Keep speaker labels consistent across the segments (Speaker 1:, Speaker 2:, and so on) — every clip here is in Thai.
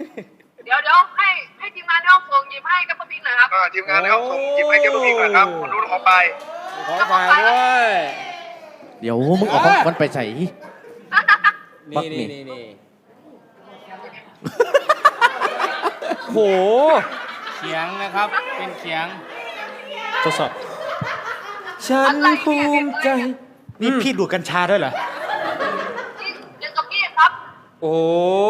Speaker 1: เดี๋ยวให้ทีมงานในห้องส่งหยิบให้กับพิงหน่อยครับ
Speaker 2: ทีมงานในห้องส่งหยิบให้กับพิงหน่อยครับคุณรุ่นของไป
Speaker 3: ขอฝากด้วย
Speaker 4: เดี๋ยวมึงเอาของคนไปใส่
Speaker 3: นี่
Speaker 5: โห
Speaker 3: เขียงนะครับเป็นเขียง
Speaker 5: ทดสอบฉันภูมิใจนี่พี่ดูดกัญชาด้วยเหรอ
Speaker 1: เดี๋ยวกับพี่ครับ
Speaker 5: โอ้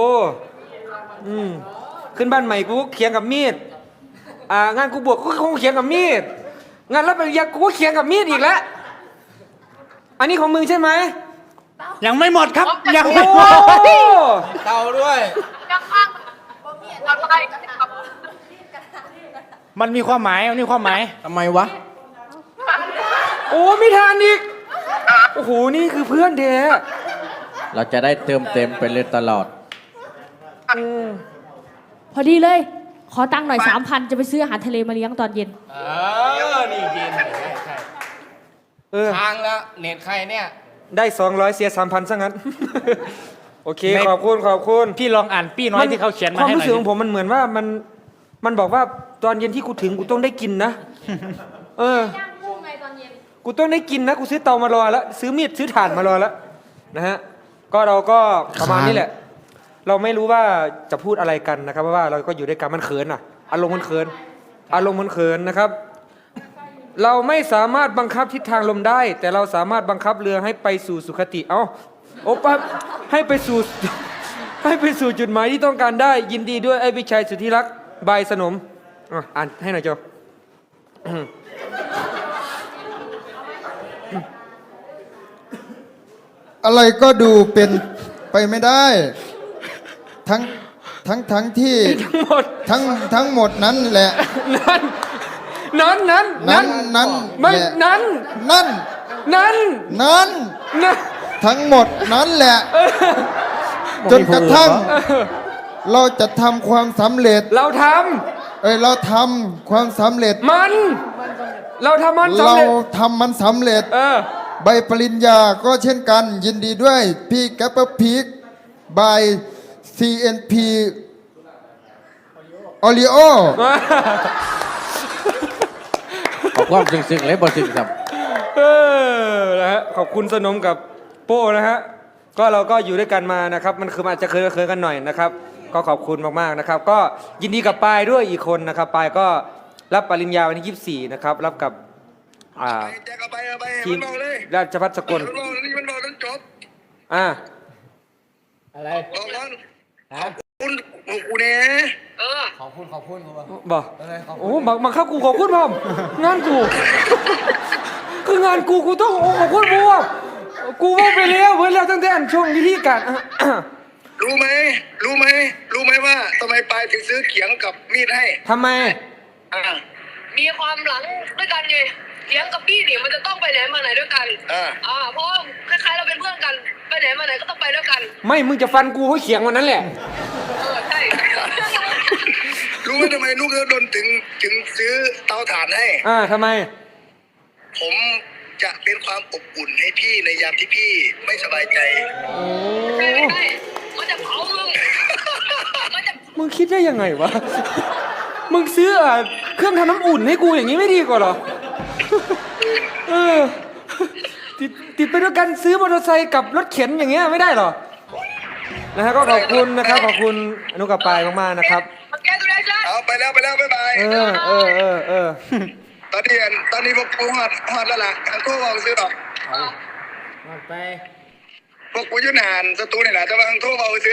Speaker 5: ขึ้นบ้านใหม่กูเขียงกับมีดงานกูบวชก็คงเขียงกับมีดงานรับปริญญากูก็เขียงกับมีดอีกแล้วอันนี้ของมึงใช่ไหม
Speaker 4: ยังไม่หมดครับยัง
Speaker 5: โ
Speaker 4: ไม่หมด
Speaker 3: เตาด้วย
Speaker 1: ยังข้างอะไรครับ
Speaker 4: มันมีความหมายทำไมวะ
Speaker 5: โอ้ไม่ทานอีกโอ้โหนี่คือเพื่อนแท้
Speaker 4: เราจะได้เติมเต็มไปเลยตลอด
Speaker 6: พอดีเลย ขอตังค์หน่อย 3,000 จะไปซื้ออาหารทะเลมาเลี้ยงตอนเย็น
Speaker 3: นี่เย็นใช่ทางแล้วเน็ตใครเนี่ย
Speaker 5: ได้200เสีย 3,000ซะงั้นโอเคขอบคุณ
Speaker 4: พี่ลองอ่านปี้น้อยที่เขาเขียนมาให้หน่อย
Speaker 5: ความรู้สึกของผมมันเหมือนว่ามันบอกว่าตอนเย็นที่กูถึงกูต้องได้กินนะย่างกุ้งไงตอนเย็นกูต้องได้กินนะกูซื้อเตามารอแล้วซื้อมีดซื้อถ่านมารอแล้วนะฮะก็เราก็ประมาณนี้แหละเราไม่รู้ว่าจะพูดอะไรกันนะครับเพราะว่าเราก็อยู่ด้วยกันมันเขินอารมณ์มันเขินนะครับ เราไม่สามารถบังคับทิศทางลมได้ แต่เราสามารถบังคับเรือให้ไปสู่สุคติโอปั๊บให้ไปสู่จุดหมายที่ต้องการได้ยินดีด้วยไอ้วิชัยสุธิรักษ์บายสนมอ่านให้หน่อยโจ
Speaker 7: อะไรก็ดูเป็นไปไม่ได้ทั้งที่ทั้งหมดนั้นแหละ
Speaker 5: นั้นไม่นั้น
Speaker 7: ทั้งหมดนั้นแหละจนกระทั่งเราจะทำความสำเร็จเราทำความสำเร็จ
Speaker 5: เราทำ
Speaker 7: มันสำเร็จใบปริญญาก็เช่นกันยินดีด้วยพี่แกปเปอร์พีคบาย CNP โอริโอ
Speaker 4: ขอบความซึ้งๆเลยบอซึ้งครับ
Speaker 5: นะฮะขอบคุณสนมกับโป้นะฮะก็เราก็อยู่ด้วยกันมานะครับมันคืออาจจะเคยกันหน่อยนะครับก็ขอบคุณมากๆนะครับก็ยินดีกับปายด้วยอีกคนนะครับปายก็รับปริญญาวันที่24นะครับรับกับทีมราชภัฏสกล
Speaker 2: มันบอกจบ
Speaker 3: อะไร
Speaker 2: บอกกันขอบคุณกูเนี่ย
Speaker 3: ขอบคุณ
Speaker 5: บอกโอ้บังคับกูขอบคุณพ่อมงานกูคืองานกูต้องขอบคุณพ่อกูว่าไปแล้วเว้ยแล้วตั้งแต่ช่วงวิธีการ
Speaker 2: รู้ไหมว่าทำไมปายถึงซื้อเขียงกับมีดให้
Speaker 5: ทำไม
Speaker 1: มีความหลังด้วยกันไงเลี้ยงกับพี่นี่มันจะต้องไปไหนมาไหนด้วยกันเพราะคล้ายๆเราเป็นเพื่อนกันไปไหนมาไหนก็ต้องไปด้วยกัน
Speaker 5: ไม่มึงจะฟันกูเพราะเขียงวันนั้นแหละ
Speaker 1: ใช่
Speaker 2: รู้ไหมทำไมลูกโดนถึงซื้อเตาถ่านให้
Speaker 5: ทำไม
Speaker 2: ผมจะเป็นความอบอุ่นให้พี่ในยามที่พี่ไม่สบายใจ
Speaker 1: ใช่มันจะเผา
Speaker 5: มึงคิดได้ยังไงวะมึงซื้อเครื่องทำน้ำอุ่นให้กูอย่างนี้ไม่ดีกว่าหรอติดไปด้วยกันซื้อมอเตอร์ไซค์กับรถเข็นอย่างเงี้ยไม่ได้หรอนะฮะก็ขอบคุณนะครับขอบคุณอนุกับปายมากๆนะครับ
Speaker 2: เอาไปแล้วบ๊ายบายตอนนี้พวกกูหอดแล้วล่ะทางทั่วเราซื้อหรอก
Speaker 3: ไป
Speaker 2: พวกกูยุ่นานสตูนี่แหละจะมาทางทั่วเราซื้อ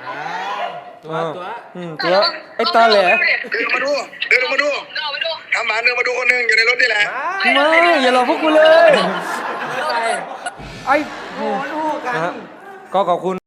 Speaker 5: ตัวไอ้ตาแหล่
Speaker 2: เดินมาดูทำหมาเดินมาดูคนนึงอยู่ในรถนี่แหละ
Speaker 5: ไม่อย่าหลอกพวกกูเลยไอ้โหลูกกันก็ขอบคุณ